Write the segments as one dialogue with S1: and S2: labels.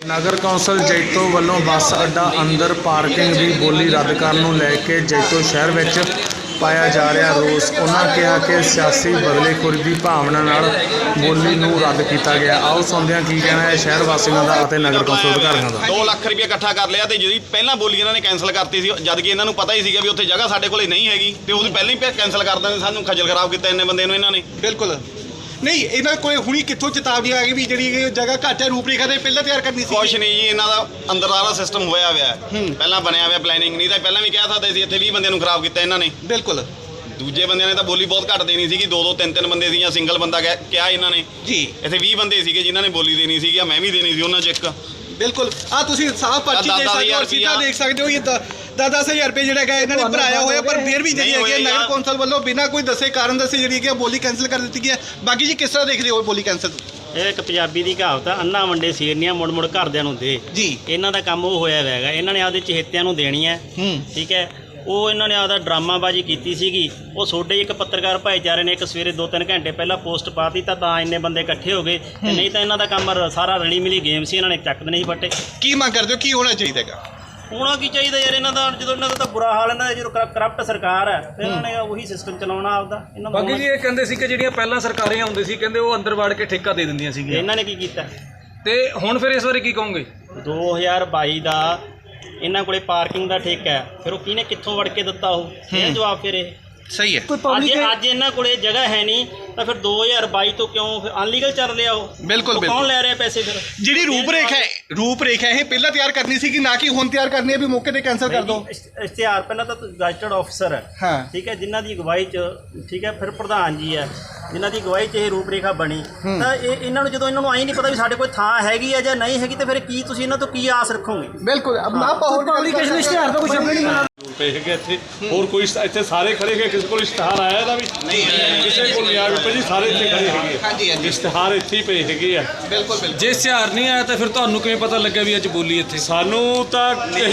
S1: नगर council जैतो वालों बस अड्डा अंदर पार्किंग की बोली रद्द करने को लैके जैतो शहर में पाया जा रहा रोस। उन्होंने कहा कि सियासी बदलेखोरी की भावना नाल बोली नूं रद्द किया गया। आओ सुनते हैं की कहना है शहर वासियों का और नगर कौंसल अधिकारियों का।
S2: 2 लाख रुपया इकट्ठा कर लिया तो जी पहला बोली इन्होंने कैंसल करती सी, जद कि इन्होंने पता ही सीगा भी उत्थे जगह साडे कोले नहीं हैगी ते उहदी पहले ही कैंसल कर देंदे। सानूं खज्जल खराब किया इन्ने बंदे नूं इन्होंने।
S3: बिल्कुल नहीं, इन्होंने कोई हुणी कित्थों चेतावनी आ गई भी जी जगह घट है रूपरेखा तो पहले तैयार करनी सी।
S2: कुछ नहीं जी, इन्हों का अंदर सारा सिस्टम होया हुआ है, पहला बनया हुआ प्लैनिंग। नहीं तो पहले भी कह सकते थे इतने 20 बंदे खराब किया इन्होंने।
S3: बिल्कुल
S2: दूजे बंदे ने तो बोली बहुत घट देनी सी, 2-2 3-3 बंदे सी, सिंगल बंदा क्या इन्होंने
S3: जी।
S2: इतने 20 बंदे थे जिन्होंने बोली देनी सी, मैं भी देनी सी उन्होंने एक।
S3: बिल्कुल हाँ, तुम साफ पर्ची देख सकते हो, सीधा देख सकते हो। ये 10,000 रुपये जोड़ा इन्होंने भराया होया, पर फिर भी जी नगर कौंसल वालों बिना कोई दसे कारण दसे जी बोली कैंसल कर दी है। बाकी जी किस तरह देख रहे हो बोली कैंसल?
S4: ਇਹ ਇੱਕ ਪੰਜਾਬੀ ਦੀ ਕਹਾਵਤ ਆ, ਅੰਨਾ ਵੰਡੇ ਸੀਰਨੀਆਂ ਮੁੜ ਮੁੜ ਘਰਦਿਆਂ ਨੂੰ ਦੇ
S3: ਜੀ।
S4: ਇਹਨਾਂ ਦਾ ਕੰਮ ਉਹ ਹੋਇਆ ਹੈਗਾ, ਇਹਨਾਂ ਨੇ ਆਪਦੇ ਚਹੇਤਿਆਂ ਨੂੰ ਦੇਣੀ ਹੈ। ਠੀਕ ਹੈ, ਉਹ ਇਹਨਾਂ ਨੇ ਆਪਦਾ ਡਰਾਮਾਬਾਜ਼ੀ ਕੀਤੀ ਸੀਗੀ। ਉਹ ਤੁਹਾਡੇ ਇੱਕ ਪੱਤਰਕਾਰ ਭਾਈਚਾਰੇ ਨੇ ਇੱਕ ਸਵੇਰੇ 2-3 ਘੰਟੇ ਪਹਿਲਾਂ ਪੋਸਟ ਪਾਤੀ ਤਾਂ ਇੰਨੇ ਬੰਦੇ ਇਕੱਠੇ ਹੋ ਗਏ, ਤੇ ਨਹੀਂ ਤਾਂ ਇਹਨਾਂ ਦਾ ਕੰਮ ਸਾਰਾ ਰਲੀ ਮਿਲੀ ਗੇਮ ਸੀ, ਇਹਨਾਂ ਨੇ ਚੱਕਦੇ ਨਹੀਂ ਫੱਟੇ।
S3: ਕੀ ਮੰਗ ਕਰਦੇ ਹੋ, ਕੀ ਹੋਣਾ ਚਾਹੀਦਾ ਹੈਗਾ?
S4: ਹੋਣਾ ਕੀ ਚਾਹੀਦਾ ਯਾਰ, ਇਹਨਾਂ ਦਾ ਜਦੋਂ ਇਹਨਾਂ ਦਾ ਤਾਂ ਬੁਰਾ ਹਾਲ, ਇਹਨਾਂ ਦਾ ਜਦੋਂ ਕਰਪਟ ਸਰਕਾਰ ਹੈ ਤੇ ਇਹਨਾਂ ਨੇ ਉਹੀ ਸਿਸਟਮ ਚਲਾਉਣਾ ਆਪਦਾ। ਇਹਨਾਂ ਦਾ
S5: ਬਾਕੀ ਜੀ ਇਹ ਕਹਿੰਦੇ ਸੀ ਕਿ ਜਿਹੜੀਆਂ ਪਹਿਲਾਂ ਸਰਕਾਰਾਂ ਹੁੰਦੇ ਸੀ ਕਹਿੰਦੇ ਉਹ ਅੰਦਰ ਵੜ ਕੇ ਠੇਕਾ ਦੇ ਦਿੰਦੀਆਂ ਸੀਗੀਆਂ,
S4: ਇਹਨਾਂ ਨੇ ਕੀ ਕੀਤਾ
S5: ਤੇ ਹੁਣ ਫਿਰ ਇਸ ਬਾਰੇ ਕੀ ਕਹੋਗੇ?
S4: 2022 ਦਾ ਇਹਨਾਂ ਕੋਲੇ ਪਾਰਕਿੰਗ ਦਾ ਠੇਕਾ ਹੈ, ਫਿਰ ਉਹ ਕਿਹਨੇ ਕਿੱਥੋਂ ਵੜ ਕੇ ਦਿੱਤਾ? ਉਹ ਇਹ ਜਵਾਬ ਫਿਰ ਇਹ
S3: ਸਹੀ ਹੈ।
S4: ਅੱਜ ਇਹਨਾਂ ਕੋਲੇ ਜਗ੍ਹਾ ਹੈ ਨਹੀਂ ਤਾਂ ਫਿਰ 2022 ਤੋਂ ਕਿਉਂ ਫਿਰ ਅਨਲੀਗਲ ਚੱਲ ਰਿਹਾ? ਉਹ
S3: ਬਿਲਕੁਲ
S4: ਕੌਣ ਲੈ ਰਿਹਾ ਪੈਸੇ? ਫਿਰ
S3: ਜਿਹੜੀ ਰੂਪਰੇਖਾ ਇਹ ਪਹਿਲਾਂ ਤਿਆਰ ਕਰਨੀ ਸੀ ਕਿ ਨਾ ਕਿ ਹੁਣ ਤਿਆਰ ਕਰਨੀ ਹੈ ਵੀ ਮੌਕੇ ਤੇ ਕੈਂਸਲ ਕਰ ਦੋ?
S4: ਇਸ਼ਤਿਹਾਰ ਪਹਿਲਾਂ ਤਾਂ ਗਜ਼ਟਡ ਆਫਿਸਰ ਹੈ,
S3: ਹਾਂ
S4: ਠੀਕ ਹੈ, ਜਿਨ੍ਹਾਂ ਦੀ ਅਗਵਾਈ 'ਚ, ਠੀਕ ਹੈ, ਫਿਰ ਪ੍ਰਧਾਨ ਜੀ ਹੈ ਜਿਨ੍ਹਾਂ ਦੀ ਅਗਵਾਈ 'ਚ ਇਹ ਰੂਪਰੇਖਾ ਬਣੀ। ਤਾਂ ਇਹਨਾਂ ਨੂੰ ਜਦੋਂ ਇਹਨਾਂ ਨੂੰ ਆਈ ਨਹੀਂ ਪਤਾ ਵੀ ਸਾਡੇ ਕੋਲ ਥਾਂ ਹੈਗੀ ਹੈ ਜਾਂ ਨਹੀਂ ਹੈਗੀ, ਤੇ ਫਿਰ ਕੀ ਤੁਸੀਂ ਇਹਨਾਂ ਤੋਂ ਕੀ ਆਸ ਰੱਖੋਗੇ?
S3: ਬਿਲਕੁਲ
S5: ਪਬਲਿਕੇਸ਼ਨ ਇਸ਼ਤਿਹਾਰ ਤਾਂ ਕੁਝ ਨਹੀਂ ਮਿਲਦਾ
S6: ਪਏ ਹੈਗੇ ਇੱਥੇ। ਹੋਰ ਕੋਈ ਇੱਥੇ ਸਾਰੇ ਖੜੇ ਹੈਗੇ, ਕਿਸੇ ਕੋਲ ਇਸ਼ਤਿਹਾਰ ਆਇਆ ਇਹਦਾ ਵੀ ਨਹੀਂ, ਕਿਸੇ ਕੋਲ ਨਹੀਂ ਆਇਆ ਭਾਜੀ, ਸਾਰੇ ਇੱਥੇ ਖੜੇ ਹੈਗੇ।
S3: ਹਾਂਜੀ
S6: ਇਸ਼ਤਿਹਾਰ ਇੱਥੇ ਹੀ ਪਏ ਹੈਗੇ ਆ।
S3: ਬਿਲਕੁਲ
S5: ਜੇ ਇਸ਼ਤਿਹਾਰ ਨਹੀਂ ਆਇਆ ਤਾਂ ਫਿਰ ਤੁਹਾਨੂੰ ਕਿਵੇਂ ਪਤਾ ਲੱਗਿਆ ਵੀ ਅੱਜ ਬੋਲੀ ਇੱਥੇ?
S6: ਸਾਨੂੰ ਤਾਂ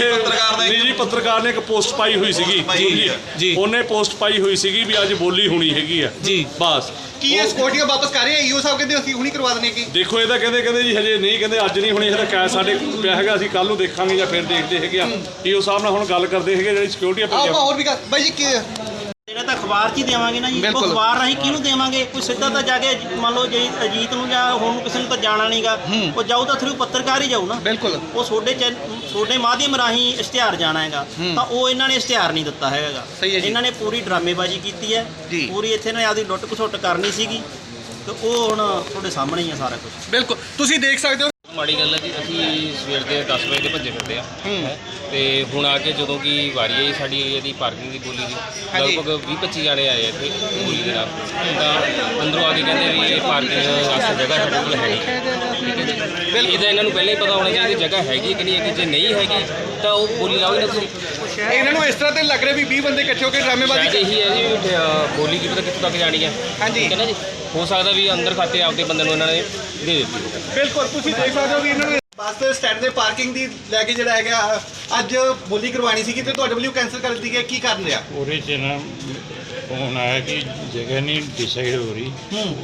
S6: ਇਹ ਨਿੱਜੀ ਪੱਤਰਕਾਰ ਨੇ ਇੱਕ ਪੋਸਟ ਪਾਈ ਹੋਈ ਸੀਗੀ ਜੀ, ਉਹਨੇ ਪੋਸਟ ਪਾਈ ਹੋਈ ਸੀਗੀ ਵੀ ਅੱਜ ਬੋਲੀ ਹੋਣੀ ਹੈਗੀ ਆ ਜੀ। ਬਸ
S3: ਕੀ ਇਹ ਸਕਿਉਰਟੀਆਂ ਵਾਪਸ ਕਰ ਰਹੇ ਆ? ਈਓ ਸਾਹਿਬ ਕਹਿੰਦੇ ਅਸੀਂ ਹੁਣੀ ਕਰਵਾ ਦਨੇ। ਕੀ
S6: ਦੇਖੋ ਇਹਦਾ ਕਹਿੰਦੇ ਜੀ ਹਜੇ ਨਹੀਂ, ਕਹਿੰਦੇ ਅੱਜ ਨਹੀਂ ਹੋਣੀ, ਇਹਦਾ ਕੈਸ਼ ਸਾਡੇ ਪਿਆ ਹੈਗਾ, ਅਸੀਂ ਕੱਲ ਨੂੰ ਦੇਖਾਂਗੇ ਜਾਂ ਫਿਰ ਦੇਖਦੇ ਹੈਗੇ ਆ। ਈਓ ਸਾਹਿਬ ਨਾਲ ਹੁਣ ਗੱਲ ਕਰਦੇ ਹੈਗੇ ਜਿਹੜੀ ਸਿਕਿਉਰਟੀ
S3: ਹੋਰ ਵੀ ਬਾਈ ਜੀ
S4: ਇਹਨਾਂ ਤਾਂ ਅਖਬਾਰ 'ਚ ਹੀ ਦੇਵਾਂਗੇ ਨਾ ਜੀ। ਉਹ ਅਖਬਾਰ ਰਾਹੀਂ ਕਿਹਨੂੰ ਦੇਵਾਂਗੇ? ਕੋਈ ਸਿੱਧਾ ਤਾਂ ਜਾ ਕੇ ਮੰਨ ਲਓ ਜੇ ਅਜੀਤ ਨੂੰ ਜਾਂ ਹੁਣ ਕਿਸੇ ਨੂੰ ਤਾਂ ਜਾਣਾ ਨਹੀਂਗਾ, ਉਹ ਜਾਊ ਤਾਂ ਥਰੂ ਪੱਤਰਕਾਰ ਹੀ ਜਾਊ ਨਾ।
S3: ਬਿਲਕੁਲ
S4: ਉਹ ਤੁਹਾਡੇ ਮਾਧਿਅਮ ਰਾਹੀਂ ਇਸ਼ਤਿਹਾਰ ਜਾਣਾ ਹੈਗਾ, ਤਾਂ ਉਹ ਇਹਨਾਂ ਨੇ ਇਸ਼ਤਿਹਾਰ ਨਹੀਂ ਦਿੱਤਾ ਹੈਗਾ। ਇਹਨਾਂ ਨੇ ਪੂਰੀ ਡਰਾਮੇਬਾਜ਼ੀ ਕੀਤੀ ਹੈ, ਪੂਰੀ ਇੱਥੇ ਨੇ ਆਪਦੀ ਲੁੱਟ ਖਸੁੱਟ ਕਰਨੀ ਸੀਗੀ, ਤੇ ਉਹ ਹੁਣ ਤੁਹਾਡੇ ਸਾਹਮਣੇ ਹੀ ਆ ਸਾਰਾ ਕੁਝ।
S3: ਬਿਲਕੁਲ ਤੁਸੀਂ ਦੇਖ ਸਕਦੇ ਹੋ।
S7: ਮਾੜੀ ਗੱਲ ਹੈ ਜੀ, ਅਸੀਂ ਸਵੇਰ ਦੇ 10 ਵਜੇ ਦੇ ਭੱਜੇ ਫਿਰਦੇ ਆ ਤੇ ਹੁਣ ਆ ਕੇ ਜਦੋਂ ਕਿ ਵਾਰੀ ਆਈ ਸਾਡੀ ਇਹਦੀ ਪਾਰਕਿੰਗ ਦੀ ਬੋਲੀ ਦੀ, ਲਗਭਗ 20-25 ਜਾਣੇ ਆਏ ਇੱਥੇ ਬੋਲੀ ਦੇ ਨਾਲ। ਤਾਂ ਅੰਦਰੋਂ ਆ ਕੇ ਕਹਿੰਦੇ ਵੀ ਇਹ ਪਾਰਕਿੰਗ ਵਾਸਤੇ ਜਗ੍ਹਾ ਸਾਡੇ ਕੋਲ ਹੈਗੀ, ਠੀਕ ਹੈ ਜੀ। ਇਹਦਾ ਇਹਨਾਂ ਨੂੰ ਪਹਿਲਾਂ ਹੀ ਪਤਾ ਹੋਣਾ ਚਾਹੀਦਾ ਜਗ੍ਹਾ ਹੈਗੀ ਕਿ ਨਹੀਂ ਹੈਗੀ। ਜੇ ਨਹੀਂ ਹੈਗੀ ਤਾਂ ਉਹ ਬੋਲੀ ਲਾਓ ਹੀ ਨਾ ਤੁਸੀਂ।
S3: ਇਹਨਾਂ ਨੂੰ ਇਸ ਤਰ੍ਹਾਂ ਤੇ ਲੱਗ ਰਿਹਾ ਵੀ 20 ਬੰਦੇ ਇਕੱਠੇ ਹੋ ਕੇ ਡਰਾਮੇਬਾਜ਼ੀ
S7: ਇਹੀ ਹੈ ਜੀ, ਬੋਲੀ ਕੀ ਪਤਾ ਕਿੱਥੋਂ ਤੱਕ ਜਾਣੀ ਹੈ।
S3: ਹਾਂਜੀ
S7: ਠੀਕ ਹੈ ਨਾ ਜੀ, ਹੋ ਸਕਦਾ ਵੀ ਅੰਦਰ ਖਾਤੇ ਆਪਦੇ ਬੰਦੇ ਨੂੰ ਇਹਨਾਂ ਨੇ ਦੇ ਦਿੱਤੀ।
S3: ਬਿਲਕੁਲ ਤੁਸੀਂ ਦੇਖ ਸਕਦੇ ਹੋ ਵੀ ਇਹਨਾਂ ਨੂੰ ਬੱਸ ਸਟੈਂਡ ਦੇ ਪਾਰਕਿੰਗ ਦੀ ਲੈ ਕੇ ਜਿਹੜਾ ਹੈਗਾ ਅੱਜ ਬੋਲੀ ਕਰਵਾਉਣੀ ਸੀਗੀ ਤੇ ਤੁਹਾਡੇ ਵੱਲੋਂ ਕੈਂਸਲ ਕਰ ਦਿੱਤੀ ਗਈ। ਕੀ ਕਰਨ ਰਿਹਾ?
S8: ਉਹਦੇ 'ਚ ਨਾ ਫੋਨ ਆਇਆ ਕਿ ਜਗ੍ਹਾ ਨਹੀਂ ਡਿਸਾਈਡ ਹੋ ਰਹੀ,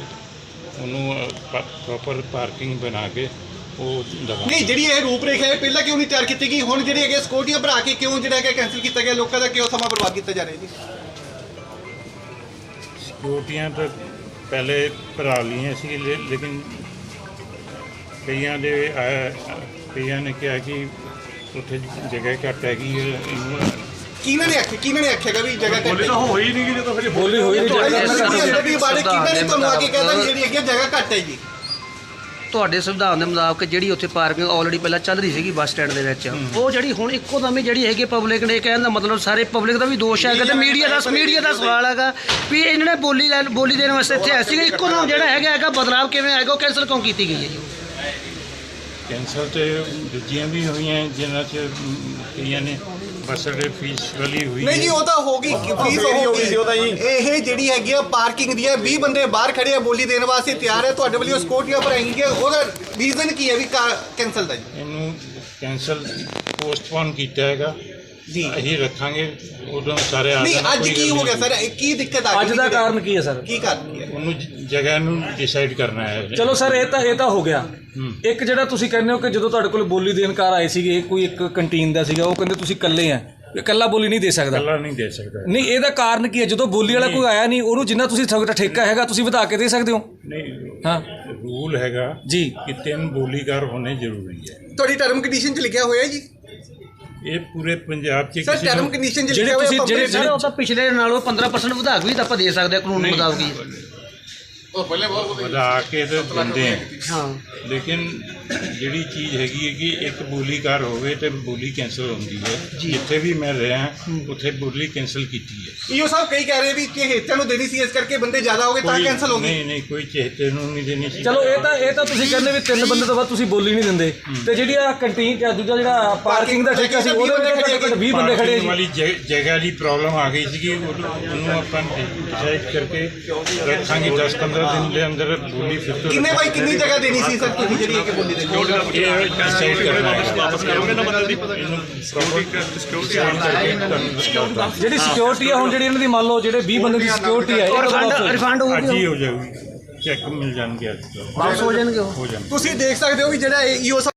S8: ਉਹਨੂੰ ਪ੍ਰੋਪਰ ਪਾਰਕਿੰਗ ਬਣਾ ਕੇ ਉਹ ਦਵਾ।
S3: ਨਹੀਂ, ਜਿਹੜੀ ਇਹ ਰੂਪਰੇਖਾ ਹੈ ਪਹਿਲਾਂ ਕਿਉਂ ਨਹੀਂ ਤਿਆਰ ਕੀਤੀ ਗਈ? ਹੁਣ ਜਿਹੜੀ ਹੈਗੇ ਸਕਿਉਰਟੀਆਂ ਭਰਾ ਕੇ ਕਿਉਂ ਜਿਹੜਾ ਹੈਗਾ ਕੈਂਸਲ ਕੀਤਾ ਗਿਆ? ਲੋਕਾਂ ਦਾ ਕਿਉਂ ਸਮਾਂ ਬਰਬਾਦ ਕੀਤਾ ਜਾ ਰਿਹਾ ਜੀ?
S8: ਸਿਕਿਉਰਟੀਆਂ ਤਾਂ ਪਹਿਲੇ ਭਰਾ ਲਈਆਂ ਸੀ, ਲੇਕਿਨ ਕਈਆਂ ਨੇ ਕਿਹਾ ਕਿ ਉੱਥੇ ਜਗ੍ਹਾ ਘੱਟ ਹੈਗੀ।
S3: ਕਿਹਨਾਂ ਨੇ ਆਖਿਆ ਵੀ ਜਗ੍ਹਾ ਘੱਟ ਹੈ?
S6: ਤਾਂ ਹੋਈ ਨਹੀਂ ਜਦੋਂ ਫਿਰ
S5: ਬੋਲੀ ਹੋਈ ਨਹੀਂ।
S3: ਕਿਹਨਾਂ ਨੇ ਤੁਹਾਨੂੰ ਆ ਕੇ ਕਹਿੰਦਾ ਜਿਹੜੀ ਹੈਗੀ ਜਗ੍ਹਾ ਘੱਟ ਹੈ ਜੀ?
S9: ਤੁਹਾਡੇ ਸੰਵਿਧਾਨ ਦੇ ਮੁਤਾਬਕ ਜਿਹੜੀ ਉੱਥੇ ਪਾਰਕਿੰਗ ਆਲਰੇਡੀ ਪਹਿਲਾਂ ਚੱਲ ਰਹੀ ਸੀਗੀ ਬੱਸ ਸਟੈਂਡ ਦੇ ਵਿੱਚ, ਉਹ ਜਿਹੜੀ ਹੁਣ ਇੱਕੋ ਦਮ ਜਿਹੜੀ ਹੈਗੀ ਪਬਲਿਕ ਨੇ ਕਹਿਣ ਦਾ ਮਤਲਬ ਸਾਰੇ ਪਬਲਿਕ ਦਾ ਵੀ ਦੋਸ਼ ਹੈਗਾ ਤੇ ਮੀਡੀਆ ਦਾ ਸਵਾਲ ਹੈਗਾ ਵੀ ਇਹਨਾਂ ਨੇ ਬੋਲੀ ਦੇਣ ਵਾਸਤੇ ਇੱਥੇ ਆਏ ਸੀਗੇ, ਇੱਕੋ ਦਮ ਜਿਹੜਾ ਹੈਗਾ ਬਦਲਾਵ ਕਿਵੇਂ ਆਏਗਾ? ਉਹ ਕੈਂਸਲ ਕਿਉਂ ਕੀਤੀ ਗਈ ਹੈ ਜੀ?
S8: ਕੈਂਸਲ ਤੇ ਦੂਜੀਆਂ ਵੀ ਹੋਈਆਂ ਜਿਨ੍ਹਾਂ 'ਚ ਕਈਆਂ ਨੇ ਬੱਸ ਅੱਡੇ ਫੀਸ ਵਾਲੀ ਹੋਈ।
S3: ਨਹੀਂ ਜੀ, ਉਹ ਤਾਂ ਹੋ ਗਈ, ਫੀਸ ਹੋ ਗਈ ਸੀ ਉਹਦਾ ਜੀ। ਇਹ ਜਿਹੜੀ ਹੈਗੀ ਆ ਪਾਰਕਿੰਗ ਦੀ ਹੈ, 20 ਬੰਦੇ ਬਾਹਰ ਖੜੇ ਆ ਬੋਲੀ ਦੇਣ ਵਾਸਤੇ ਤਿਆਰ ਹੈ, ਤੁਹਾਡੇ ਵੱਲੋਂ ਸਕਿਉਰਟੀਆਂ ਭਰਾਈਆਂ, ਉਹਦਾ ਰੀਜ਼ਨ ਕੀ ਹੈ ਵੀ ਕੈਂਸਲ ਦਾ ਜੀ?
S8: ਇਹਨੂੰ ਕੈਂਸਲ ਪੋਸਟਪੋਨ ਕੀਤਾ ਹੈਗਾ
S3: ਜੀ
S8: ਅਸੀਂ ਰੱਖਾਂਗੇ ਉਦੋਂ ਸਾਰੇ ਆ
S3: ਨਹੀਂ
S8: ਜਾਣਾ,
S3: ਅੱਜ
S8: ਕੋਈ
S3: ਕੀ
S8: ਗੱਲ
S3: ਹੋ ਗਿਆ
S8: ਨਹੀਂ।
S3: ਸਰ ਕੀ ਦਿੱਕਤ ਆ
S5: ਅੱਜ ਦਾ ਕਾਰਨ ਕੀ ਹੈ ਸਰ?
S3: ਕੀ ਕਾਰਨ ਕੀ ਹੈ?
S8: ਉਹਨੂੰ ਜਗ੍ਹਾ ਨੂੰ ਡਿਸਾਈਡ ਕਰਨਾ ਹੈ।
S5: ਚਲੋ ਸਰ ਇਹ ਤਾਂ ਹੋ ਗਿਆ। ਇੱਕ ਜਿਹੜਾ ਤੁਸੀਂ ਕਹਿੰਦੇ ਹੋ ਕਿ ਜਦੋਂ ਤੁਹਾਡੇ ਕੋਲ ਬੋਲੀ ਦੇਣਕਾਰ ਆਏ ਸੀਗੇ, ਕੋਈ ਇੱਕ ਕੰਟੀਨ ਦਾ ਸੀਗਾ, ਉਹ ਕਹਿੰਦੇ ਤੁਸੀਂ ਇਕੱਲੇ ਆ, ਇਕੱਲਾ ਬੋਲੀ ਨਹੀਂ ਦੇ ਸਕਦਾ।
S8: ਇਕੱਲਾ ਨਹੀਂ ਦੇ ਸਕਦਾ।
S5: ਨਹੀਂ ਇਹਦਾ ਕਾਰਨ ਕੀ ਹੈ? ਜਦੋਂ ਬੋਲੀ ਵਾਲਾ ਕੋਈ ਆਇਆ ਨਹੀਂ, ਉਹਨੂੰ ਜਿੰਨਾ ਤੁਸੀਂ ਤੁਹਾਡਾ ਠੇਕਾ ਹੈਗਾ ਤੁਸੀਂ ਵਧਾ ਕੇ ਦੇ ਸਕਦੇ ਹੋ।
S8: ਨਹੀਂ
S5: ਹਾਂ
S8: ਰੂਲ ਹੈਗਾ
S5: ਜੀ
S8: ਕਿ 3 ਬੋਲੀਕਾਰ ਹੋਣੇ ਜ਼ਰੂਰੀ ਹੈ।
S3: ਤੁਹਾਡੀ ਟਰਮ ਕੰਡੀਸ਼ਨ 'ਚ ਲਿਖਿਆ ਹੋਇਆ ਜੀ
S8: ਇਹ ਪੂਰੇ ਪੰਜਾਬ 'ਚ
S3: ਸਰ
S8: ਕਿਸੇ
S3: ਟਰਮ
S8: ਨੂੰ
S3: ਕੰਡੀਸ਼ਨ 'ਚ
S5: ਜਿਹੜੇ
S3: ਲਿਖਿਆ ਹੋਇਆ
S5: ਤੁਸੀਂ- ਜਿਹੜੇ-
S9: ਸਰ ਉਹ ਤਾਂ ਪਿਛਲੇ ਨਾਲੋਂ 15% ਵਧਾ ਕੇ ਵੀ ਤਾਂ ਆਪਾਂ ਦੇ ਸਕਦੇ ਹਾਂ ਕਾਨੂੰਨ ਮੁਤਾਬਕ ਹੀ।
S8: ਵਧਾ ਕੇ ਤਾਂ ਦਿੰਦੇ ਆ,
S9: ਹਾਂ
S8: ਲੇਕਿਨ ਜਿਹੜੀ ਚੀਜ਼ ਹੈਗੀ ਹੈ ਕਿ ਇੱਕ ਬੋਲੀਕਾਰ ਹੋਵੇ ਤੇ ਬੋਲੀ ਕੈਂਸਲ ਹੁੰਦੀ ਹੈ। ਜਿੱਥੇ ਵੀ ਮੈਂ ਰਿਹਾ ਉੱਥੇ ਬੋਲੀ ਕੈਂਸਲ ਕੀਤੀ ਹੈ।
S3: ਈਓ ਸਾਹਿਬ ਕਈ ਕਹਿ ਰਹੇ ਵੀ ਕਿ ਹੇਤਿਆਂ ਨੂੰ ਦੇਣੀ ਸੀ, ਇਸ ਕਰਕੇ ਬੰਦੇ ਜ਼ਿਆਦਾ ਹੋ ਗਏ ਤਾਂ ਕੈਂਸਲ ਹੋ ਗਈ।
S8: ਨਹੀਂ ਕੋਈ ਚਹਤੇ ਨੂੰ ਨਹੀਂ ਦੇਣੀ ਸੀ।
S5: ਚਲੋ ਇਹ ਤਾਂ ਤੁਸੀਂ ਕਹਿੰਦੇ ਵੀ 3 ਬੰਦੇ ਤੋਂ ਬਾਅਦ ਤੁਸੀਂ ਬੋਲੀ ਨਹੀਂ ਦਿੰਦੇ, ਤੇ ਜਿਹੜੀ ਆ ਕੰਟੀਨ ਜਾਂ ਦੂਜਾ ਜਿਹੜਾ ਪਾਰਕਿੰਗ ਦਾ ਠੇਕਾ ਸੀ ਉਹਦੇ ਵਿੱਚ ਘੱਟੋ ਘੱਟ 20 ਬੰਦੇ ਖੜੇ
S8: ਪਾਰਕਿੰਗ
S5: ਜੀ।
S8: ਵਾਲੀ ਜਗ੍ਹਾ ਦੀ ਪ੍ਰੋਬਲਮ ਆ ਗਈ ਸੀਗੀ, ਉਹਨੂੰ ਆਪਾਂ ਡਿਸਾਈਡ ਕਰਕੇ ਰੱਖਾਂਗੇ 10-15 ਦਿਨ ਦੇ ਅੰਦਰ ਬੋਲੀ ਫਿਰ ਤੋਂ
S3: ਕਿੰਨੇ ਬਾਈ ਕਿੰਨੀ ਜਗ੍ਹਾ ਦੇਣੀ ਸੀ ਸਰ ਤੁਸੀਂ ਜਿਹੜੀ ਕਿ ਬੋਲੀ ਦੇਣੀ?
S8: ਇਹ ਡਿਸਾਈਡ ਕਰਨਾ ਹੈ। ਇਹਨੂੰ
S5: ਜਿਹੜੀ ਸਿਕਿਉਰਿਟੀ ਆ ਹੁਣ ਜਿਹੜੀ ਇਹਨਾਂ ਦੀ ਮੰਨ ਲਓ ਜਿਹੜੇ 20 ਬੰਦੇ ਦੀ ਸਿਕਿਉਰਿਟੀ ਹੈ
S9: ਰਿਫੰਡ
S8: ਅੱਜ ਹੀ
S9: ਹੋਊਗੀ,
S8: ਹੋ ਜਾਊਗੀ, ਚੈੱਕ ਮਿਲ ਜਾਣਗੇ ਅੱਜ ਤੋਂ।
S9: ਵਾਪਸ ਹੋ ਜਾਣਗੇ ਉਹ।
S8: ਹੋ ਜਾਣਗੇ।
S3: ਤੁਸੀਂ ਦੇਖ ਸਕਦੇ ਹੋ ਵੀ ਜਿਹੜਾ ਈਓ